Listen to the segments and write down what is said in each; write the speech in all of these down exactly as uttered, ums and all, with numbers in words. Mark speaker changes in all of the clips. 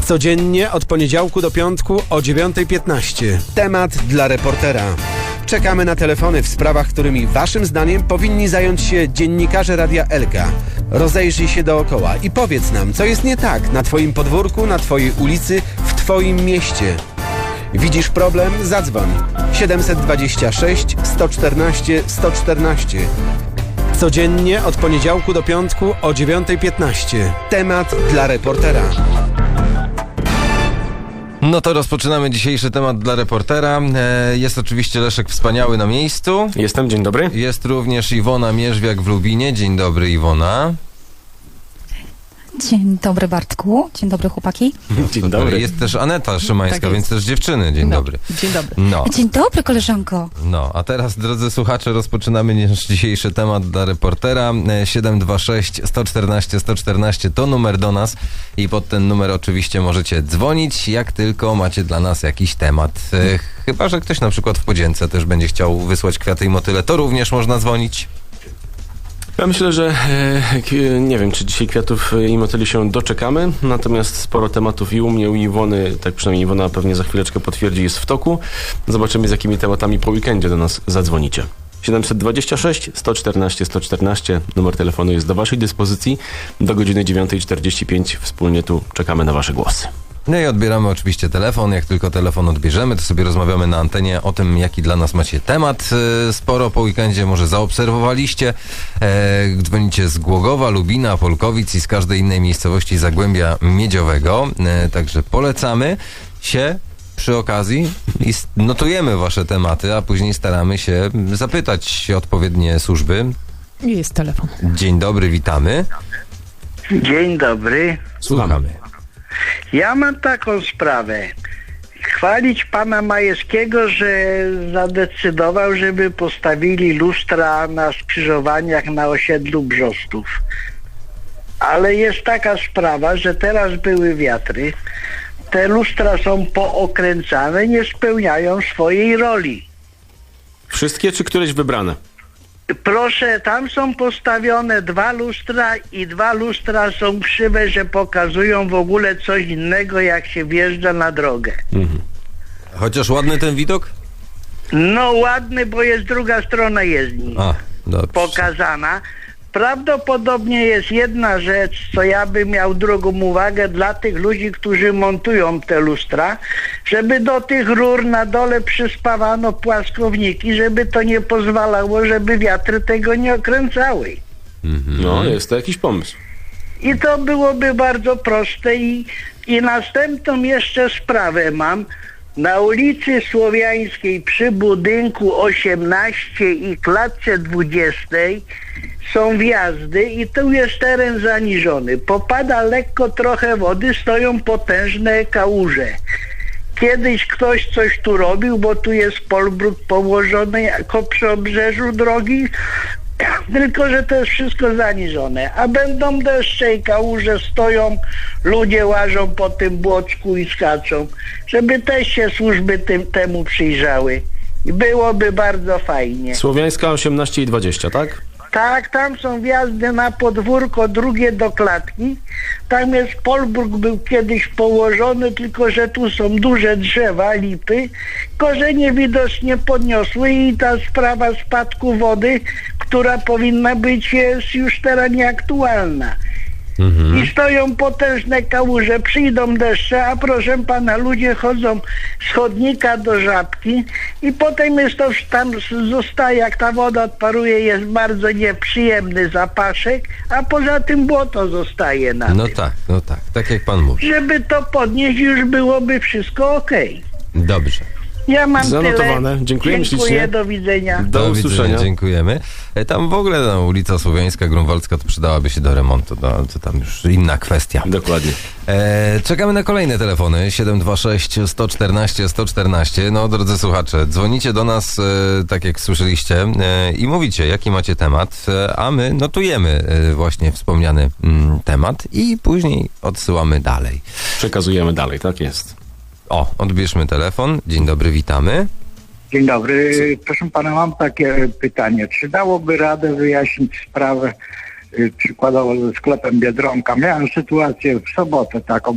Speaker 1: Codziennie od poniedziałku do piątku o dziewiąta piętnaście. Temat dla reportera. Czekamy na telefony w sprawach, którymi waszym zdaniem powinni zająć się dziennikarze Radia Elka. Rozejrzyj się dookoła i powiedz nam, co jest nie tak na twoim podwórku, na twojej ulicy, w twoim mieście. Widzisz problem? Zadzwoń. siedem dwa sześć, sto czternaście, sto czternaście. Codziennie od poniedziałku do piątku o dziewiąta piętnaście. Temat dla reportera.
Speaker 2: No to rozpoczynamy dzisiejszy temat dla reportera. Jest oczywiście Leszek Wspaniały na miejscu.
Speaker 3: Jestem, dzień dobry.
Speaker 2: Jest również Iwona Mierzwiak w Lubinie. Dzień dobry, Iwona.
Speaker 4: Dzień dobry, Bartku. Dzień dobry, chłopaki.
Speaker 3: Dzień dobry.
Speaker 2: Jest też Aneta Szymańska,
Speaker 4: Tak
Speaker 2: więc też dziewczyny. Dzień
Speaker 4: no.
Speaker 2: dobry.
Speaker 4: Dzień dobry.
Speaker 2: No.
Speaker 4: Dzień dobry, koleżanko.
Speaker 2: No, a teraz, drodzy słuchacze, rozpoczynamy nasz dzisiejszy temat dla reportera. siedem dwa sześć, sto czternaście, sto czternaście to numer do nas i pod ten numer oczywiście możecie dzwonić, jak tylko macie dla nas jakiś temat. Chyba że ktoś na przykład w Podzięce też będzie chciał wysłać kwiaty i motyle, to również można dzwonić.
Speaker 3: Ja myślę, że e, nie wiem, czy dzisiaj kwiatów i motyli się doczekamy, natomiast sporo tematów i u mnie, u Iwony, tak przynajmniej Iwona pewnie za chwileczkę potwierdzi, jest w toku. Zobaczymy, z jakimi tematami po weekendzie do nas zadzwonicie. siedem dwa sześć, sto czternaście, sto czternaście. Numer telefonu jest do waszej dyspozycji. Do godziny dziewiąta czterdzieści pięć wspólnie tu czekamy na wasze głosy.
Speaker 2: No i odbieramy oczywiście telefon. Jak tylko telefon odbierzemy, to sobie rozmawiamy na antenie o tym, jaki dla nas macie temat. Sporo po weekendzie może zaobserwowaliście. E, dzwonicie z Głogowa, Lubina, Polkowic i z każdej innej miejscowości Zagłębia Miedziowego. E, także polecamy się przy okazji i notujemy wasze tematy, a później staramy się zapytać odpowiednie służby.
Speaker 5: Jest telefon.
Speaker 2: Dzień dobry, witamy.
Speaker 6: Dzień dobry.
Speaker 2: Słuchamy.
Speaker 6: Ja mam taką sprawę. Chwalić pana Majewskiego, że zadecydował, żeby postawili lustra na skrzyżowaniach na osiedlu Brzostów. Ale jest taka sprawa, że teraz były wiatry. Te lustra są pookręcane, nie spełniają swojej roli.
Speaker 3: Wszystkie czy któreś wybrane?
Speaker 6: Proszę, tam są postawione dwa lustra i dwa lustra są krzywe, że pokazują w ogóle coś innego, jak się wjeżdża na drogę.
Speaker 2: Mhm. Chociaż ładny ten widok?
Speaker 6: No ładny, bo jest druga strona jezdni
Speaker 2: A, dobrze.
Speaker 6: pokazana. Prawdopodobnie jest jedna rzecz, co ja bym miał drugą uwagę dla tych ludzi, którzy montują te lustra, żeby do tych rur na dole przyspawano płaskowniki, żeby to nie pozwalało, żeby wiatry tego nie okręcały.
Speaker 2: Mhm.
Speaker 3: No, jest to jakiś pomysł.
Speaker 6: I to byłoby bardzo proste. I, i następną jeszcze sprawę mam. Na ulicy Słowiańskiej przy budynku osiemnaście i klatce dwudziestej są wjazdy i tu jest teren zaniżony. Popada lekko trochę wody, stoją potężne kałuże. Kiedyś ktoś coś tu robił, bo tu jest polbruk położony jako przy obrzeżu drogi, tylko że to jest wszystko zaniżone. A będą deszcze i kałuże stoją, ludzie łażą po tym błocku i skaczą, żeby też się służby tym, temu przyjrzały. I byłoby bardzo fajnie.
Speaker 3: Słowiańska osiemnaście i dwadzieścia, tak?
Speaker 6: Tak, tam są wjazdy na podwórko, drugie do klatki. Tam jest polbruk, był kiedyś położony, tylko że tu są duże drzewa, lipy. Korzenie widocznie podniosły i ta sprawa spadku wody, która powinna być, jest już teraz nieaktualna. Mhm. I stoją potężne kałuże, przyjdą deszcze, a proszę pana, ludzie chodzą z chodnika do Żabki i potem jest to tam zostaje, jak ta woda odparuje, jest bardzo nieprzyjemny zapaszek, a poza tym błoto zostaje na
Speaker 2: No
Speaker 6: tym.
Speaker 2: tak, no tak, tak jak pan mówi.
Speaker 6: Żeby to podnieść, już byłoby wszystko okej.
Speaker 2: Dobrze.
Speaker 6: Ja mam
Speaker 3: Zanotowane.
Speaker 6: tyle.
Speaker 3: Dziękujemy
Speaker 6: Dziękuję,
Speaker 3: ślicznie.
Speaker 6: do widzenia.
Speaker 3: Do,
Speaker 2: Do
Speaker 3: usłyszenia.
Speaker 2: widzenia, dziękujemy. E, Tam w ogóle no, ulica Słowiańska, Grunwaldzka to przydałaby się do remontu, no, to tam już inna kwestia.
Speaker 3: Dokładnie.
Speaker 2: E, czekamy na kolejne telefony siedem dwa sześć, sto czternaście, sto czternaście. No drodzy słuchacze, dzwonicie do nas, e, tak jak słyszeliście, e, i mówicie, jaki macie temat, e, a my notujemy e, właśnie wspomniany mm, temat i później odsyłamy dalej.
Speaker 3: Przekazujemy dalej, tak jest.
Speaker 2: O, odbierzmy telefon. Dzień dobry, witamy.
Speaker 7: Dzień dobry. Proszę pana, mam takie pytanie. Czy dałoby radę wyjaśnić sprawę y, przykładowo ze sklepem Biedronka? Miałem sytuację w sobotę taką.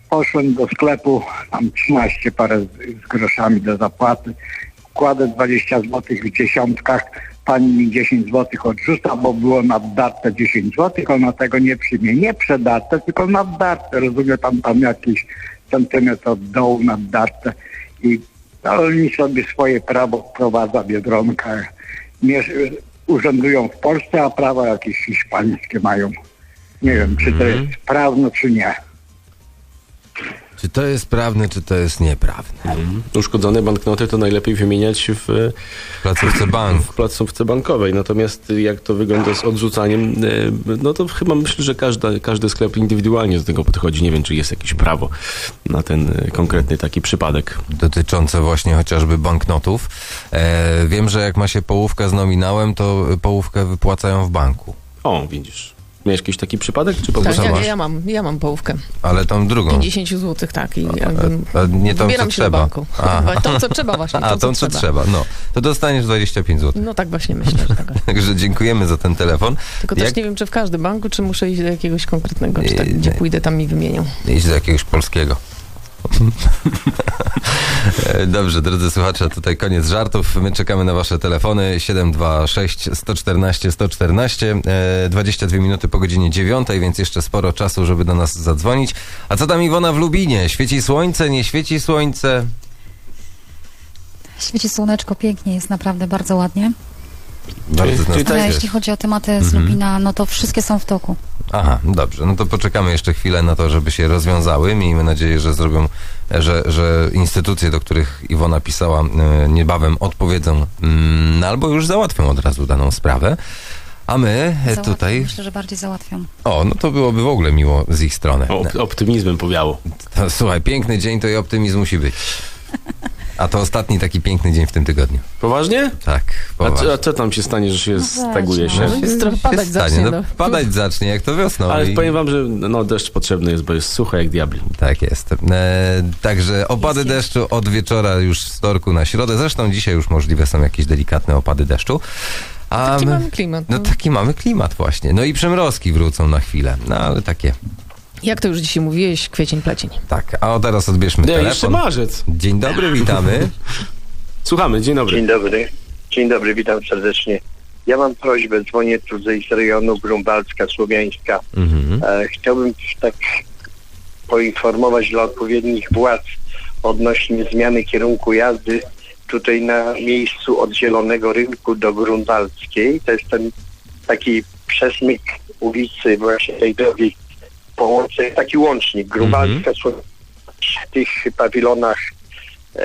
Speaker 7: poszłem do sklepu, tam trzynaście parę z, z groszami do zapłaty. Kładę dwadzieścia złotych w dziesiątkach, pani mi dziesięć złotych odrzuca, bo było naddarte dziesięć złotych, ona tego nie przyjmie. Nie przedarte, tylko naddarte, rozumie pan, tam jakiś centymetr od dołu naddarte. I no, oni sobie swoje prawo wprowadza Biedronka. Mierz, urzędują w Polsce, a prawa jakieś hiszpańskie mają. Nie wiem, czy to jest prawne, czy nie.
Speaker 2: Czy to jest prawne, czy to jest nieprawne?
Speaker 3: Mhm. Uszkodzone banknoty to najlepiej wymieniać w,
Speaker 2: W placówce banku.
Speaker 3: w placówce bankowej. Natomiast jak to wygląda z odrzucaniem, e, no to chyba myślę, że każda, każdy sklep indywidualnie do tego podchodzi. Nie wiem, czy jest jakieś prawo na ten e, konkretny taki przypadek.
Speaker 2: Dotyczące właśnie chociażby banknotów. E, wiem, że jak ma się połówkę z nominałem, to połówkę wypłacają w banku.
Speaker 3: O, widzisz. Miałeś jakiś taki przypadek, czy po
Speaker 5: Tak,
Speaker 3: prostu
Speaker 5: ja,
Speaker 3: masz?
Speaker 5: ja mam, ja mam połówkę.
Speaker 2: Ale tą drugą.
Speaker 5: pięćdziesiąt złotych, tak. I jakby
Speaker 2: A, a nie tą, co
Speaker 5: wybieram się do
Speaker 2: trzeba.
Speaker 5: banku.
Speaker 2: Aha.
Speaker 5: Tą, co trzeba właśnie.
Speaker 2: A, tą, co trzeba. No. To dostaniesz dwadzieścia pięć złotych.
Speaker 5: No tak właśnie myślę, że tak.
Speaker 2: Także dziękujemy za ten telefon.
Speaker 5: Tylko też
Speaker 2: Jak
Speaker 5: nie wiem, czy w każdym banku, czy muszę iść do jakiegoś konkretnego, czy tak,
Speaker 2: Nie,
Speaker 5: gdzie
Speaker 2: nie.
Speaker 5: pójdę, tam mi wymienią.
Speaker 2: Idź do jakiegoś polskiego. Dobrze, drodzy słuchacze, tutaj koniec żartów. My czekamy na wasze telefony siedem dwa sześć, sto czternaście, sto czternaście. E, dwadzieścia dwie minuty po godzinie dziewiątej, więc jeszcze sporo czasu, żeby do nas zadzwonić. A co tam Iwona w Lubinie? Świeci słońce, nie świeci słońce?
Speaker 4: Świeci słoneczko, pięknie, jest naprawdę bardzo ładnie.
Speaker 2: Bardzo nas
Speaker 3: czyli
Speaker 2: to
Speaker 4: Ale
Speaker 2: cieszy.
Speaker 4: jeśli chodzi o tematy z Lubina, no to wszystkie są w toku.
Speaker 2: Aha, dobrze. No to poczekamy jeszcze chwilę na to, żeby się rozwiązały. Miejmy nadzieję, że zrobią, że, że instytucje, do których Iwona pisała, e, niebawem odpowiedzą mm, albo już załatwią od razu daną sprawę. A my e,
Speaker 4: Załatwią,
Speaker 2: tutaj...
Speaker 4: Myślę, że bardziej załatwią.
Speaker 2: O, no to byłoby w ogóle miło z ich strony.
Speaker 3: O, op- optymizmem powiało.
Speaker 2: To, słuchaj, piękny dzień to i optymizm musi być. A to ostatni taki piękny dzień w tym tygodniu.
Speaker 3: Poważnie?
Speaker 2: Tak,
Speaker 3: A,
Speaker 2: poważnie.
Speaker 3: co- a co tam się stanie, że się
Speaker 4: No
Speaker 3: staguje
Speaker 4: weź,
Speaker 3: się?
Speaker 4: no.
Speaker 5: Jest trochę padać
Speaker 2: Się stanie.
Speaker 5: zacznie,
Speaker 2: No,
Speaker 5: no.
Speaker 2: padać zacznie, jak to wiosną.
Speaker 3: Ale
Speaker 2: I-
Speaker 3: powiem wam, że no, deszcz potrzebny jest, bo jest sucho jak diabli.
Speaker 2: Tak jest. E, także opady
Speaker 4: Jest,
Speaker 2: deszczu od wieczora już z wtorku na środę. Zresztą dzisiaj już możliwe są jakieś delikatne opady deszczu. A
Speaker 5: Taki
Speaker 2: my-
Speaker 5: mamy klimat.
Speaker 2: No
Speaker 5: No.
Speaker 2: taki mamy klimat właśnie. No i przymrozki wrócą na chwilę. No ale takie.
Speaker 5: Jak to już dzisiaj mówiłeś, kwiecień, plecień.
Speaker 2: Tak. A o teraz odbierzmy
Speaker 3: Nie, jeszcze
Speaker 2: telefon.
Speaker 3: marzec.
Speaker 2: Dzień dobry, witamy.
Speaker 3: Słuchamy, dzień dobry.
Speaker 8: Dzień dobry. Dzień dobry, witam serdecznie. Ja mam prośbę, dzwonię tu z rejonu Grunwaldzka, Słowiańska.
Speaker 2: Mhm.
Speaker 8: E, chciałbym tak poinformować dla odpowiednich władz odnośnie zmiany kierunku jazdy tutaj na miejscu od Zielonego Rynku do Grunwaldzkiej. To jest ten taki przesmyk ulicy właśnie tej drogi połączeń, taki łącznik Grunwaldzka, Słowiańska, w tych pawilonach e,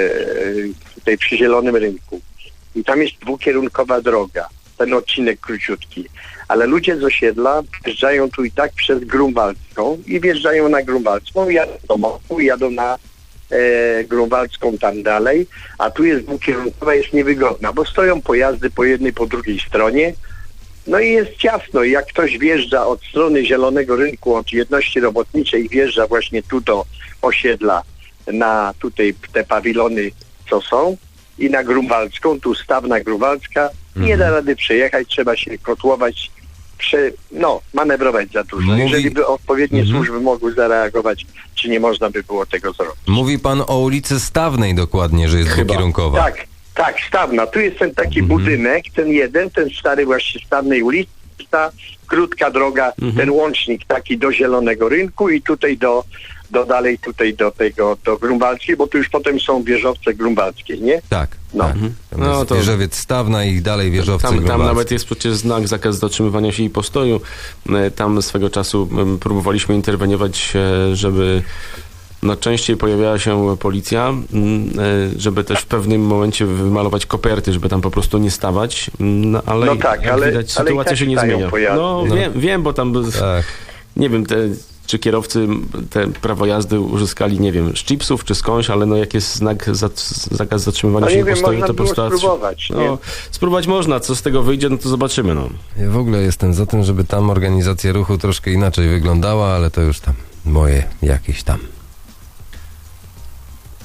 Speaker 8: tutaj przy Zielonym Rynku. I tam jest dwukierunkowa droga, ten odcinek króciutki. Ale ludzie z osiedla wjeżdżają tu i tak przez Grunwaldzką i wjeżdżają na Grunwaldzką, jadą do Mostu, jadą na e, Grunwaldzką tam dalej, a tu jest dwukierunkowa, jest niewygodna, bo stoją pojazdy po jednej, po drugiej stronie. No i jest ciasno. Jak ktoś wjeżdża od strony Zielonego Rynku, od jedności robotniczej, wjeżdża właśnie tu do osiedla, na tutaj te pawilony, co są, i na Grunwaldzką, tu stawna Grunwaldzka, nie da rady przejechać, trzeba się kotłować, prze, no, manewrować za dużo.
Speaker 2: Mówi-
Speaker 8: Jeżeli by odpowiednie
Speaker 2: Mhm.
Speaker 8: służby mogły zareagować, czy nie można by było tego zrobić.
Speaker 2: Mówi pan o ulicy Stawnej dokładnie, że jest
Speaker 3: Chyba.
Speaker 2: dwukierunkowa.
Speaker 8: Tak, tak, stawna. Tu jest ten taki
Speaker 2: Mhm.
Speaker 8: budynek, ten jeden, ten stary właśnie stawnej ulicy, ta krótka droga, ten łącznik taki do Zielonego Rynku i tutaj do, do dalej tutaj do tego, do Grunwaldzkiej, bo tu już potem są wieżowce grunwaldzkie, nie?
Speaker 2: Tak.
Speaker 8: No.
Speaker 2: tak. Tam
Speaker 3: No
Speaker 2: jest
Speaker 3: to-
Speaker 2: wieżowiec Stawna i dalej wieżowce
Speaker 3: Tam, tam
Speaker 2: grunwaldzkie.
Speaker 3: nawet jest przecież znak, zakaz zatrzymywania się i postoju. E, Tam swego czasu m, próbowaliśmy interweniować, e, żeby no, częściej pojawiała się policja, m, e, żeby też w pewnym momencie wymalować koperty, żeby tam po prostu nie stawać. No, ale,
Speaker 8: No tak,
Speaker 3: jak
Speaker 8: ale-
Speaker 3: widać,
Speaker 8: ale i
Speaker 3: sytuacja
Speaker 8: tak
Speaker 3: się nie
Speaker 8: stają
Speaker 3: zmienia.
Speaker 8: pojazdy.
Speaker 3: No,
Speaker 2: No.
Speaker 3: Wiem, wiem, bo tam
Speaker 2: Tak.
Speaker 3: nie wiem, te, czy kierowcy te prawo jazdy uzyskali, nie wiem, z chipsów czy skądś, ale no jak jest znak za, zakaz zatrzymywania
Speaker 8: No
Speaker 3: się
Speaker 8: nie
Speaker 3: i
Speaker 8: wiem,
Speaker 3: postoju,
Speaker 8: można
Speaker 3: to po
Speaker 8: było
Speaker 3: prostu...
Speaker 8: spróbować, nie?
Speaker 3: No, spróbować można, co z tego wyjdzie, no to zobaczymy, no.
Speaker 2: Ja w ogóle jestem za tym, żeby tam organizacja ruchu troszkę inaczej wyglądała, ale to już tam moje jakieś tam.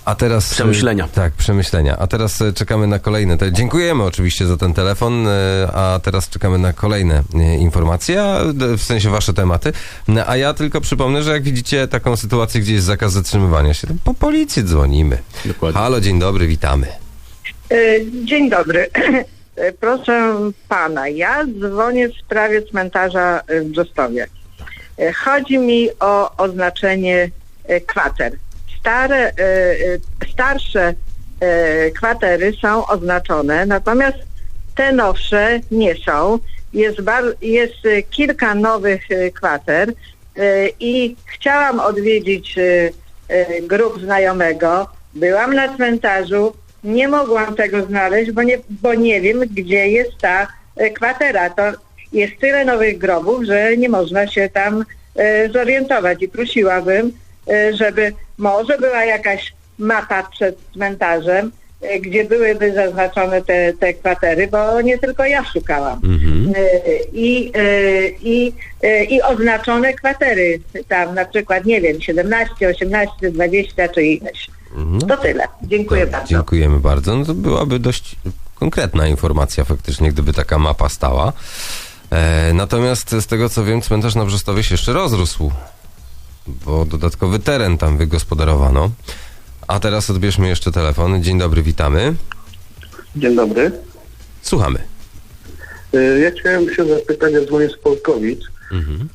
Speaker 2: A teraz...
Speaker 3: Przemyślenia.
Speaker 2: Tak, przemyślenia. A teraz e, czekamy na kolejne. Te, dziękujemy oczywiście za ten telefon, e, a teraz czekamy na kolejne e, informacje, a, d- w sensie wasze tematy. No, a ja tylko przypomnę, że jak widzicie taką sytuację, gdzie jest zakaz zatrzymywania się, to po policję dzwonimy.
Speaker 3: Dokładnie.
Speaker 2: Halo, dzień dobry, witamy.
Speaker 9: Dzień dobry. Proszę pana, ja dzwonię w sprawie cmentarza w Brzostowie. Chodzi mi o oznaczenie kwater. Stare, starsze kwatery są oznaczone, natomiast te nowsze nie są. Jest, bar- jest kilka nowych kwater i chciałam odwiedzić grup znajomego. Byłam na cmentarzu, nie mogłam tego znaleźć, bo nie, bo nie wiem, gdzie jest ta kwatera. To jest tyle nowych grobów, że nie można się tam e, zorientować i prosiłabym, e, żeby może była jakaś mapa przed cmentarzem, e, gdzie byłyby zaznaczone te, te kwatery, bo nie tylko ja szukałam.
Speaker 2: Mhm.
Speaker 9: E, i, e, i, e, I oznaczone kwatery tam, na przykład, nie wiem, siedemnaście, osiemnaście, dwadzieścia czy ileś.
Speaker 2: No,
Speaker 9: To tyle. Dziękuję
Speaker 2: to,
Speaker 9: bardzo.
Speaker 2: Dziękujemy bardzo. No to byłaby dość konkretna informacja faktycznie, gdyby taka mapa stała. E, natomiast z tego co wiem, cmentarz na Brzostowie się jeszcze rozrósł, bo dodatkowy teren tam wygospodarowano. A teraz odbierzmy jeszcze telefon. Dzień dobry, witamy.
Speaker 10: Dzień dobry.
Speaker 2: Słuchamy.
Speaker 10: Y, Ja chciałem się zapytać, ja dzwonię z Polkowic
Speaker 2: Mhm.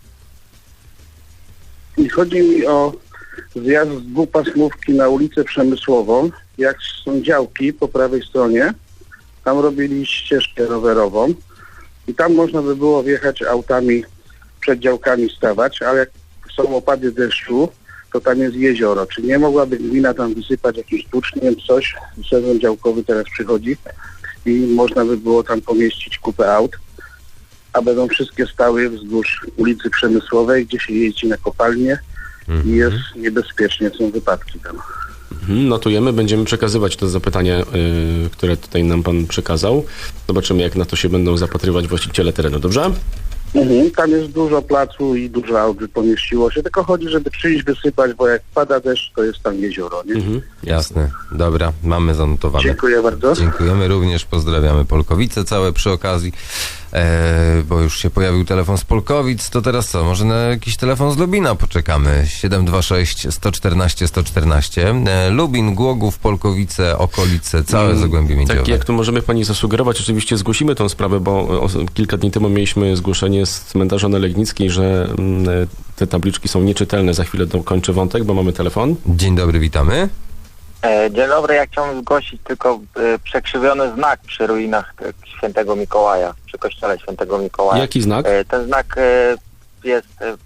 Speaker 10: i chodzi mi o zjazd z dwupasmówki na ulicę Przemysłową. Jak są działki po prawej stronie, tam robili ścieżkę rowerową i tam można by było wjechać autami, przed działkami stawać, ale jak są opady deszczu, to tam jest jezioro. Czy nie mogłaby gmina tam wysypać jakimś tuczniem, coś? Sezon działkowy teraz przychodzi i można by było tam pomieścić kupę aut, a będą wszystkie stały wzdłuż ulicy Przemysłowej, gdzie się jeździ na kopalnię i jest niebezpiecznie, są wypadki tam.
Speaker 3: Mhm, notujemy, będziemy przekazywać to zapytanie, y, które tutaj nam pan przekazał. Zobaczymy, jak na to się będą zapatrywać właściciele terenu, dobrze?
Speaker 10: Mhm. Tam jest dużo placu i dużo aut by pomieściło się, tylko chodzi, żeby przyjść wysypać, bo jak pada deszcz, to jest tam jezioro, nie?
Speaker 3: Mhm.
Speaker 2: Jasne. Dobra, mamy zanotowane.
Speaker 10: Dziękuję bardzo.
Speaker 2: Dziękujemy również, pozdrawiamy Polkowice całe przy okazji, e, bo już się pojawił telefon z Polkowic, to teraz co, może na jakiś telefon z Lubina poczekamy, siedem dwa sześć, sto czternaście, sto czternaście, e, Lubin, Głogów, Polkowice, okolice, całe Zagłębie Miedziowe.
Speaker 3: Tak, jak tu możemy pani zasugerować, oczywiście zgłosimy tą sprawę, bo o, kilka dni temu mieliśmy zgłoszenie z cmentarza na Legnickiej, że mm, te tabliczki są nieczytelne. Za chwilę dokończę wątek, bo mamy telefon.
Speaker 2: Dzień dobry, witamy.
Speaker 11: E, Dzień dobry, ja chciałbym zgłosić tylko e, przekrzywiony znak przy ruinach e, Świętego Mikołaja, przy kościele Świętego Mikołaja.
Speaker 3: Jaki znak?
Speaker 11: E, ten znak e, jest e,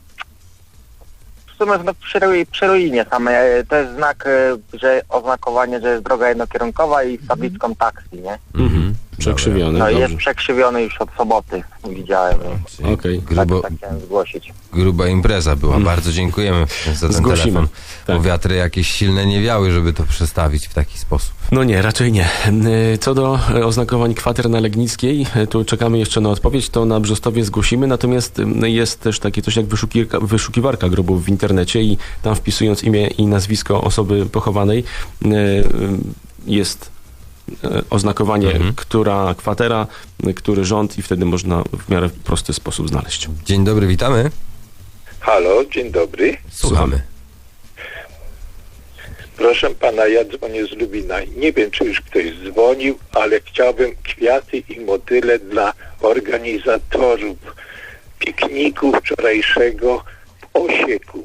Speaker 11: w sumie no, przy, ru- przy ruinie samej. E, to jest znak, e, że oznakowanie, że jest droga jednokierunkowa i z tabliczką taksi, nie?
Speaker 3: Mhm. Przekrzywiony,
Speaker 11: No i
Speaker 3: dobrze.
Speaker 11: jest przekrzywiony już od soboty, widziałem.
Speaker 3: Okej. Okay.
Speaker 2: Grubo,
Speaker 11: Tak, tak chciałem zgłosić.
Speaker 2: gruba impreza była, bardzo dziękujemy za ten
Speaker 3: Zgłosimy.
Speaker 2: telefon,
Speaker 3: Tak.
Speaker 2: bo wiatry jakieś silne nie wiały, żeby to przestawić w taki sposób.
Speaker 3: No nie, raczej nie. Y, Co do y, oznakowań kwater na Legnickiej, y, tu czekamy jeszcze na odpowiedź, to na Brzostowie zgłosimy, natomiast y, jest też takie coś jak wyszukiwarka, wyszukiwarka grobów w internecie i tam wpisując imię i nazwisko osoby pochowanej y, y, jest y, oznakowanie,
Speaker 2: Mhm.
Speaker 3: która kwatera, y, który rząd i wtedy można w miarę prosty sposób znaleźć.
Speaker 2: Dzień dobry, witamy.
Speaker 12: Halo, dzień dobry.
Speaker 2: Słuchamy.
Speaker 12: Proszę pana, ja dzwonię z Lubina. Nie wiem, czy już ktoś dzwonił, ale chciałbym kwiaty i motyle dla organizatorów pikniku wczorajszego w Osieku.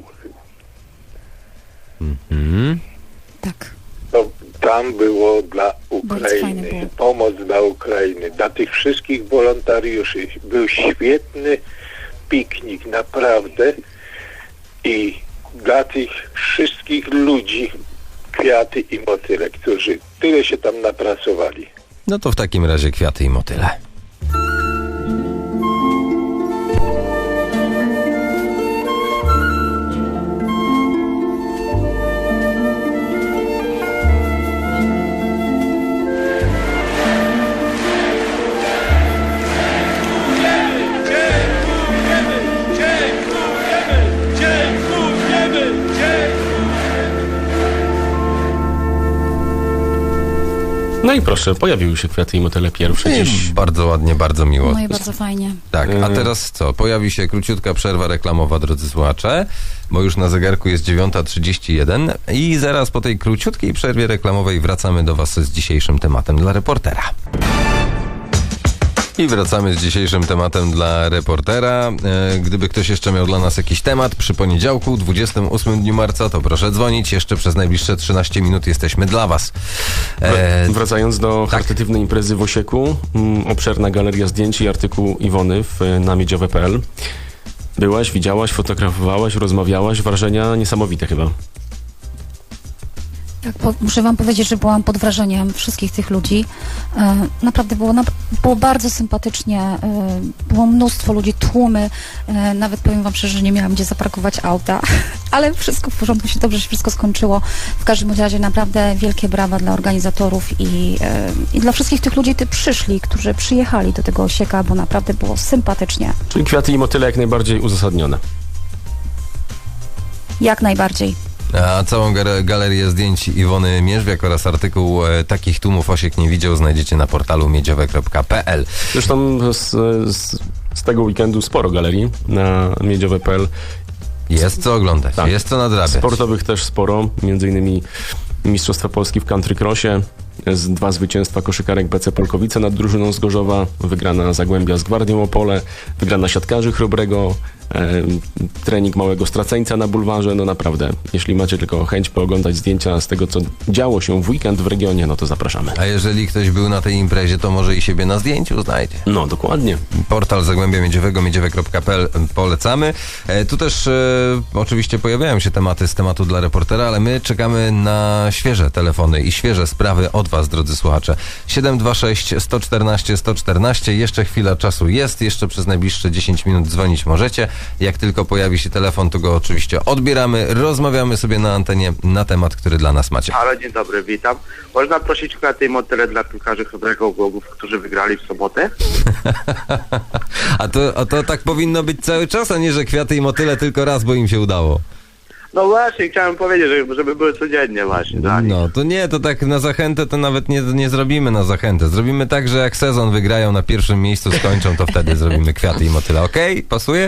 Speaker 2: Mhm.
Speaker 4: Tak.
Speaker 12: To tam było dla
Speaker 4: Bardzo fajne
Speaker 12: Ukrainy,
Speaker 4: było.
Speaker 12: pomoc dla Ukrainy, dla tych wszystkich wolontariuszy. Był świetny piknik, naprawdę. I dla tych wszystkich ludzi kwiaty i motyle, którzy tyle się tam napracowali.
Speaker 2: No to w takim razie kwiaty i motyle.
Speaker 3: No i proszę, pojawiły się kwiaty i motyle pierwsze
Speaker 2: I
Speaker 3: dziś.
Speaker 2: bardzo ładnie, bardzo miło.
Speaker 4: No i bardzo fajnie.
Speaker 2: Tak, a teraz co? Pojawi się króciutka przerwa reklamowa, drodzy słuchacze, bo już na zegarku jest dziewiąta trzydzieści jeden i zaraz po tej króciutkiej przerwie reklamowej wracamy do Was z dzisiejszym tematem dla reportera. I wracamy z dzisiejszym tematem dla reportera. E, gdyby ktoś jeszcze miał dla nas jakiś temat przy poniedziałku, dwudziestym ósmym dniu marca, to proszę dzwonić. Jeszcze przez najbliższe trzynaście minut jesteśmy dla Was.
Speaker 3: E, Wracając do tak. charytatywnej imprezy w Osieku, m, obszerna galeria zdjęć i artykuł Iwony w, na miedziowe kropka p l. Byłaś, widziałaś, fotografowałaś, rozmawiałaś. Wrażenia niesamowite chyba.
Speaker 4: Tak, po, muszę wam powiedzieć, że byłam pod wrażeniem wszystkich tych ludzi. E, naprawdę było, na, było bardzo sympatycznie. E, było mnóstwo ludzi, tłumy. E, nawet powiem wam szczerze, że nie miałam gdzie zaparkować auta. Ale wszystko w porządku, się dobrze się wszystko skończyło. W każdym razie naprawdę wielkie brawa dla organizatorów i, e, i dla wszystkich tych ludzi, którzy przyszli, którzy przyjechali do tego Osieka, bo naprawdę było sympatycznie.
Speaker 3: Czyli kwiaty i motyle jak najbardziej uzasadnione.
Speaker 4: Jak najbardziej.
Speaker 2: A całą galerię zdjęć Iwony Mierzwiak oraz artykuł e, Takich tłumów Osiek nie widział znajdziecie na portalu miedziowe kropka p l.
Speaker 3: Zresztą z, z, z tego weekendu sporo galerii na miedziowe kropka p l.
Speaker 2: Jest co oglądać, tak. Jest co nadrabiać.
Speaker 3: Sportowych też sporo, między innymi Mistrzostwa Polski w country crossie, z dwa zwycięstwa koszykarek B C Polkowice nad drużyną z Gorzowa, wygrana Zagłębia z Gwardią Opole, wygrana siatkarzy Chrobrego, e, trening małego straceńca na bulwarze. No naprawdę, jeśli macie tylko chęć pooglądać zdjęcia z tego, co działo się w weekend w regionie, no to zapraszamy.
Speaker 2: A jeżeli ktoś był na tej imprezie, to może i siebie na zdjęciu znajdzie.
Speaker 3: No, dokładnie.
Speaker 2: Portal Zagłębia Miedziowego, miedziowe kropka p l polecamy. E, tu też e, oczywiście pojawiają się tematy z tematu dla reportera, ale my czekamy na świeże telefony i świeże sprawy od Was, drodzy słuchacze. siedem dwa sześć, sto czternaście, sto czternaście. Jeszcze chwila czasu jest. Jeszcze przez najbliższe dziesięć minut dzwonić możecie. Jak tylko pojawi się telefon, to go oczywiście odbieramy. Rozmawiamy sobie na antenie na temat, który dla nas macie.
Speaker 13: Halo, dzień dobry, witam. Można prosić kwiaty i motyle dla piłkarzy Chrobrego Głogów, którzy wygrali w sobotę?
Speaker 2: a, to, a to tak powinno być cały czas, a nie, że kwiaty i motyle tylko raz, bo im się udało.
Speaker 13: No właśnie, chciałem powiedzieć, żeby, żeby były codziennie właśnie. Tak?
Speaker 2: No to nie, to tak na zachętę to nawet nie, nie zrobimy na zachętę. Zrobimy tak, że jak sezon wygrają na pierwszym miejscu, skończą, to wtedy zrobimy kwiaty i motyle. Okej? Okay? Pasuje?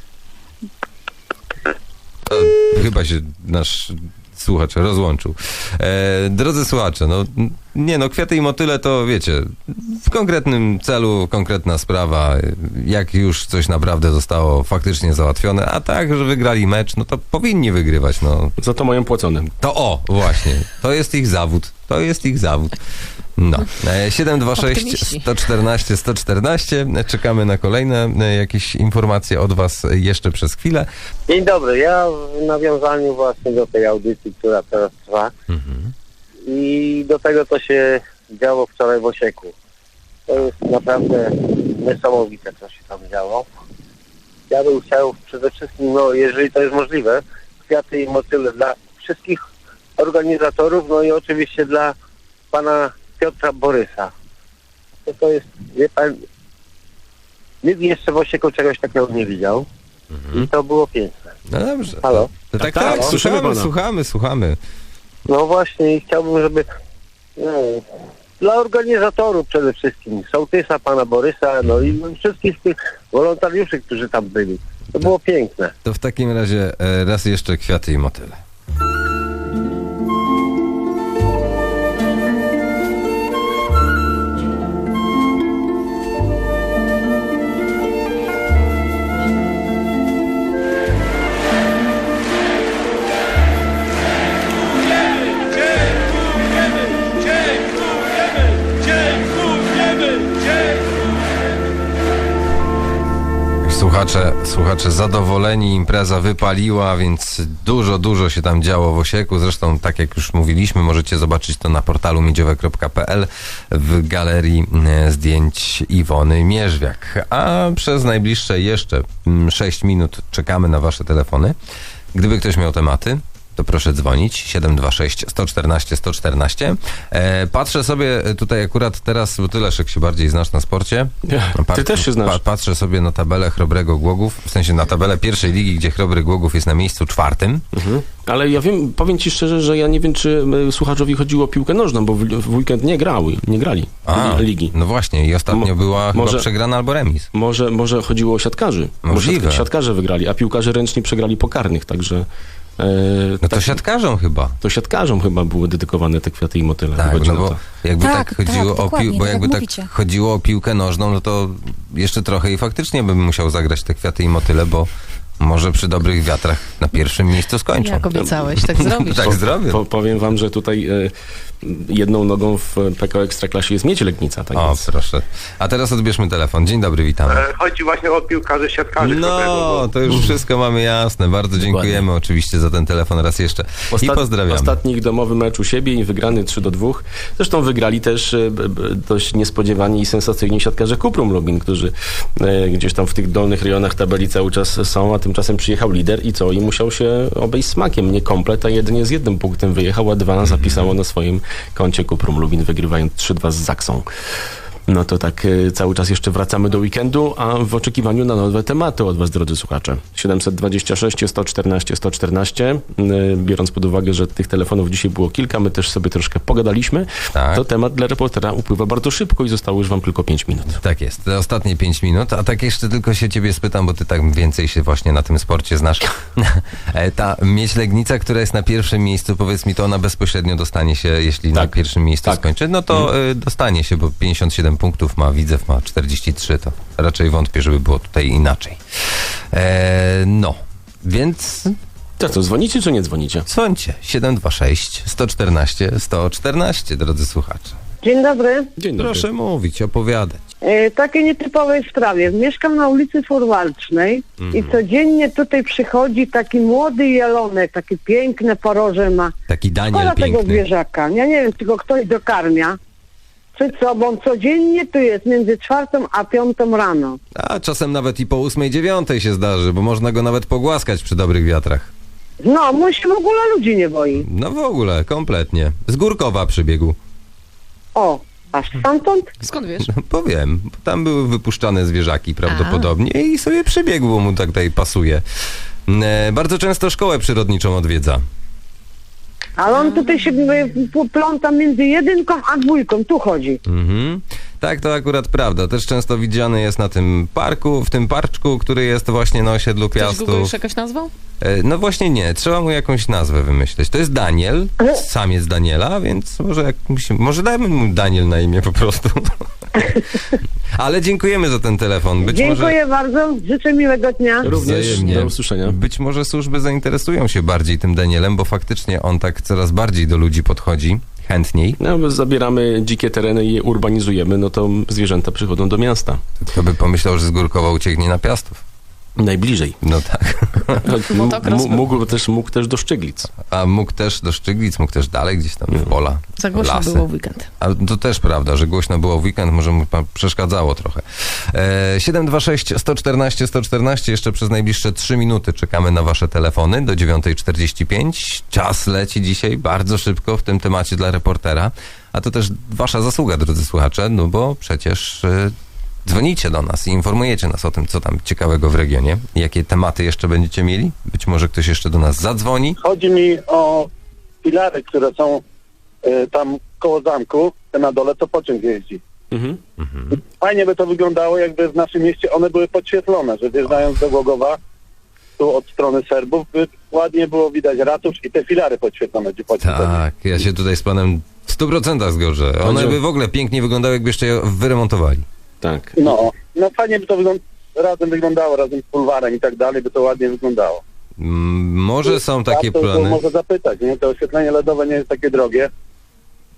Speaker 2: To chyba się nasz słuchacz rozłączył. E, drodzy słuchacze, no nie no, kwiaty i motyle to wiecie, w konkretnym celu, konkretna sprawa, jak już coś naprawdę zostało faktycznie załatwione, a tak, że wygrali mecz, no to powinni wygrywać, no.
Speaker 3: Za to mają płacone.
Speaker 2: To o, właśnie, to jest ich zawód, to jest ich zawód. No, siedem dwa sześć, sto czternaście, sto czternaście. Czekamy na kolejne jakieś informacje od Was jeszcze przez chwilę.
Speaker 14: Dzień dobry, ja w nawiązaniu właśnie do tej audycji, która teraz trwa mhm. i do tego, co się działo wczoraj w Osieku. To jest naprawdę niesamowite, co się tam działo. Ja bym chciał przede wszystkim, no jeżeli to jest możliwe, kwiaty i motyle dla wszystkich organizatorów, no i oczywiście dla pana Piotra Borysa. To, to jest, wie pan, nikt jeszcze w Osieku czegoś takiego nie widział mhm. i to było piękne.
Speaker 2: No dobrze.
Speaker 14: Halo?
Speaker 2: To tak, tak, tak, słuchamy, słuchamy, słuchamy.
Speaker 14: No właśnie i chciałbym, żeby no, dla organizatorów przede wszystkim, sołtysa, pana Borysa, no i wszystkich tych wolontariuszy, którzy tam byli. To było piękne.
Speaker 2: To w takim razie raz jeszcze kwiaty i motyle. Słuchacze, słuchacze zadowoleni, impreza wypaliła, więc dużo, dużo się tam działo w Osieku. Zresztą, tak jak już mówiliśmy, możecie zobaczyć to na portalu miedziowe kropka p l w galerii zdjęć Iwony Mierzwiak. A przez najbliższe jeszcze sześć minut czekamy na Wasze telefony. Gdyby ktoś miał tematy, to proszę dzwonić. siedem dwa sześć, sto czternaście, sto czternaście. E, patrzę sobie tutaj akurat teraz, bo ty, Leszek, się bardziej znasz na sporcie.
Speaker 3: Ja, ty też się znasz.
Speaker 2: Pa, patrzę sobie na tabelę Chrobrego Głogów, w sensie na tabelę pierwszej ligi, gdzie Chrobry Głogów jest na miejscu czwartym.
Speaker 3: Mhm. Ale ja wiem, powiem ci szczerze, że ja nie wiem, czy y, słuchaczowi chodziło o piłkę nożną, bo w, w weekend nie grały, nie grali
Speaker 2: A,
Speaker 3: ligi.
Speaker 2: No właśnie, i ostatnio Mo, była może, chyba przegrana albo remis.
Speaker 3: Może, może chodziło o siatkarzy.
Speaker 2: Możliwe.
Speaker 3: Bo siatkarze wygrali, a piłkarze ręczni przegrali po karnych, także... E,
Speaker 2: no to
Speaker 3: tak,
Speaker 2: siatkarzom chyba.
Speaker 3: To siatkarzom chyba były dedykowane te kwiaty i motyle.
Speaker 2: Tak, no bo jakby tak, tak chodziło
Speaker 4: tak,
Speaker 2: o pił, bo jakby tak mówicie. chodziło o piłkę nożną, no to jeszcze trochę i faktycznie bym musiał zagrać te kwiaty i motyle, bo może przy dobrych wiatrach na pierwszym miejscu skończą.
Speaker 5: Jak obiecałeś, tak zrobisz.
Speaker 2: tak
Speaker 3: po,
Speaker 2: zrobię.
Speaker 3: Po, powiem wam, że tutaj e, jedną nogą w P K O Ekstraklasie jest Miedź Legnica. Tak
Speaker 2: o,
Speaker 3: więc.
Speaker 2: proszę. A teraz odbierzmy telefon. Dzień dobry, witamy.
Speaker 13: E, chodzi właśnie o piłkarzy, siatkarzy.
Speaker 2: No, to już wszystko mamy jasne. Bardzo dziękujemy Dokładnie. oczywiście za ten telefon raz jeszcze.
Speaker 3: Ostat...
Speaker 2: I pozdrawiamy.
Speaker 3: Ostatni ich domowy mecz u siebie i wygrany trzy do dwóch. Zresztą wygrali też e, b, b, dość niespodziewani i sensacyjni siatkarze Kuprum Lubin, którzy e, gdzieś tam w tych dolnych rejonach tabeli cały czas są, a tymczasem przyjechał lider i co? I musiał się obejść smakiem. Nie komplet, a jedynie z jednym punktem wyjechał, a dwa zapisało na swoim koncie Kuprum Lubin, wygrywając trzy dwa z Zaksą. No to tak y, cały czas jeszcze wracamy do weekendu, a w oczekiwaniu na nowe tematy od was, drodzy słuchacze. siedem dwa sześć, sto czternaście, sto czternaście. Y, biorąc pod uwagę, że tych telefonów dzisiaj było kilka, my też sobie troszkę pogadaliśmy, tak. To temat dla reportera upływa bardzo szybko i zostało już wam tylko pięć minut.
Speaker 2: Tak jest, te ostatnie pięć minut, a tak jeszcze tylko się ciebie spytam, bo ty tak więcej się właśnie na tym sporcie znasz. Ta Miedź Legnica, która jest na pierwszym miejscu, powiedz mi, to ona bezpośrednio dostanie się, jeśli tak. na pierwszym miejscu tak. skończy, no to mhm. y, dostanie się, bo pięćdziesiąt siedem punktów ma, Widzew ma czterdzieści trzy, to raczej wątpię, żeby było tutaj inaczej. Eee, no, więc...
Speaker 3: To co, dzwonicie czy nie dzwonicie?
Speaker 2: Dzwońcie. siedem dwa sześć, sto czternaście, sto czternaście, drodzy słuchacze.
Speaker 15: Dzień dobry.
Speaker 3: Dzień dobry.
Speaker 2: Proszę mówić, opowiadać.
Speaker 15: E, takiej nietypowej sprawie. Mieszkam na ulicy Forwalcznej mm. i codziennie tutaj przychodzi taki młody jelonek, taki piękne poroże ma.
Speaker 2: Taki Daniel
Speaker 15: Szkoda
Speaker 2: piękny.
Speaker 15: tego zwierzaka. Ja nie wiem, czy go ktoś dokarmia. Przed sobą codziennie tu jest między czwartą a piątą rano.
Speaker 2: A czasem nawet i po ósmej, dziewiątej się zdarzy, bo można go nawet pogłaskać przy dobrych wiatrach.
Speaker 15: No, mój się w ogóle ludzi nie boi.
Speaker 2: No w ogóle, kompletnie. Z Górkowa przybiegł.
Speaker 15: O, aż stamtąd?
Speaker 5: Skąd wiesz?
Speaker 2: No, powiem, bo tam były wypuszczane zwierzaki prawdopodobnie a. i sobie przybiegł, bo mu tak tutaj pasuje. E, bardzo często szkołę przyrodniczą odwiedza.
Speaker 15: Ale on tutaj się pląta między jedynką a dwójką, tu chodzi.
Speaker 2: Mhm. Tak, to akurat prawda. Też często widziany jest na tym parku, w tym parczku, który jest właśnie na osiedlu Piastów.
Speaker 5: Google już jakaś nazwa?
Speaker 2: E, no właśnie nie, trzeba mu jakąś nazwę wymyśleć. To jest Daniel, samiec Daniela, więc może, jak, może dajmy mu Daniel na imię po prostu. Ale dziękujemy za ten telefon. Być
Speaker 15: Dziękuję
Speaker 2: może...
Speaker 15: bardzo, życzę miłego dnia.
Speaker 3: Również, Wzajemnie. Do usłyszenia.
Speaker 2: Być może służby zainteresują się bardziej tym Danielem, bo faktycznie on tak coraz bardziej do ludzi podchodzi. Chętniej.
Speaker 3: No, bo zabieramy dzikie tereny i je urbanizujemy, no to zwierzęta przychodzą do miasta.
Speaker 2: Kto by pomyślał, że z Górkowa ucieknie na Piastów?
Speaker 3: Najbliżej.
Speaker 2: No tak.
Speaker 3: M- mógł, też, mógł też do Szczyglic.
Speaker 2: A mógł też do Szczyglic, mógł też dalej gdzieś tam w pola.
Speaker 5: Za głośno
Speaker 2: lasy.
Speaker 5: było w weekend.
Speaker 2: A to też prawda, że głośno było w weekend, może mu przeszkadzało trochę. E, siedem dwa sześć, sto czternaście, sto czternaście, jeszcze przez najbliższe trzy minuty czekamy na wasze telefony do dziewiątej czterdzieści pięć. Czas leci dzisiaj bardzo szybko w tym temacie dla reportera, a to też wasza zasługa, drodzy słuchacze, no bo przecież... E, dzwonicie do nas i informujecie nas o tym, co tam ciekawego w regionie. Jakie tematy jeszcze będziecie mieli? Być może ktoś jeszcze do nas zadzwoni.
Speaker 10: Chodzi mi o filary, które są y, tam koło zamku, te na dole, co pociąg jeździ.
Speaker 3: Mhm.
Speaker 10: Fajnie by to wyglądało, jakby w naszym mieście one były podświetlone, że wjeżdżając do Głogowa, tu od strony Serbów, by ładnie było widać ratusz i te filary podświetlone, gdzie pociąg
Speaker 2: Tak, ja się tutaj z panem w stu procentach zgodzę. One by w ogóle pięknie wyglądały, jakby jeszcze je wyremontowali.
Speaker 3: Tak.
Speaker 10: No, no fajnie by to wygląda, razem wyglądało, razem z bulwarem i tak dalej, by to ładnie wyglądało.
Speaker 2: Mm, może są takie
Speaker 10: to,
Speaker 2: plany.
Speaker 10: To może zapytać, nie? To oświetlenie LEDowe nie jest takie drogie.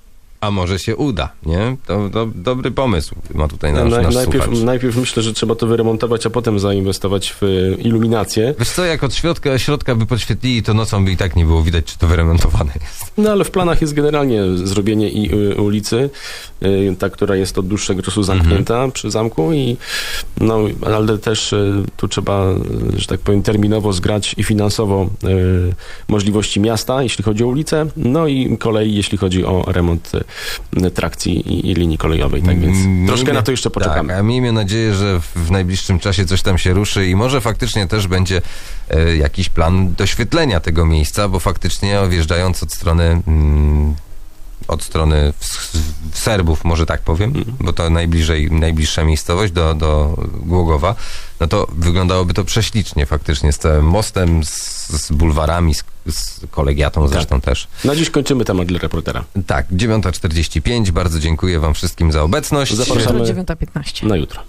Speaker 2: A może się uda, nie? To, to dobry pomysł ma tutaj nasz,
Speaker 3: Na,
Speaker 2: nasz
Speaker 3: najpierw,
Speaker 2: słuchacz.
Speaker 3: najpierw myślę, że trzeba to wyremontować, a potem zainwestować w iluminację.
Speaker 2: Wiesz co, jak od środka, środka by podświetlili, to nocą by i tak nie było widać, czy to wyremontowane jest.
Speaker 3: No ale w planach jest generalnie zrobienie i y, ulicy, y, ta, która jest od dłuższego czasu zamknięta mhm. przy zamku i no, ale też y, tu trzeba, y, że tak powiem, terminowo zgrać i finansowo y, możliwości miasta, jeśli chodzi o ulicę, no i kolei, jeśli chodzi o remont y, trakcji i, i linii kolejowej, tak więc
Speaker 2: Miejmy,
Speaker 3: troszkę na to jeszcze poczekamy.
Speaker 2: Tak, a miejmy nadzieję, że w, w najbliższym czasie coś tam się ruszy i może faktycznie też będzie e, jakiś plan doświetlenia tego miejsca, bo faktycznie wjeżdżając od strony mm, od strony w, w Serbów, może tak powiem, mm. bo to najbliżej, najbliższa miejscowość do, do Głogowa, no to wyglądałoby to prześlicznie faktycznie, z całym mostem, z, z bulwarami, z, z kolegiatą zresztą tak. też.
Speaker 3: Na dziś kończymy temat dla reportera.
Speaker 2: Tak, dziewiąta czterdzieści pięć, bardzo dziękuję wam wszystkim za obecność.
Speaker 3: Zapraszamy
Speaker 5: dziewiąta piętnaście.
Speaker 3: na jutro.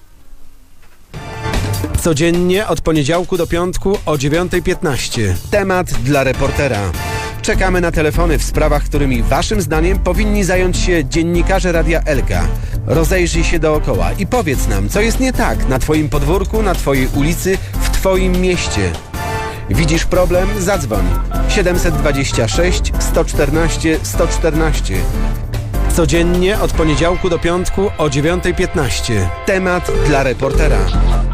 Speaker 1: Codziennie od poniedziałku do piątku o dziewiąta piętnaście. Temat dla reportera. Czekamy na telefony w sprawach, którymi waszym zdaniem powinni zająć się dziennikarze Radia Elka. Rozejrzyj się dookoła i powiedz nam, co jest nie tak na twoim podwórku, na twojej ulicy, w twoim mieście. Widzisz problem? Zadzwoń. siedem dwa sześć, sto czternaście, sto czternaście. Codziennie od poniedziałku do piątku o dziewiąta piętnaście. Temat dla reportera.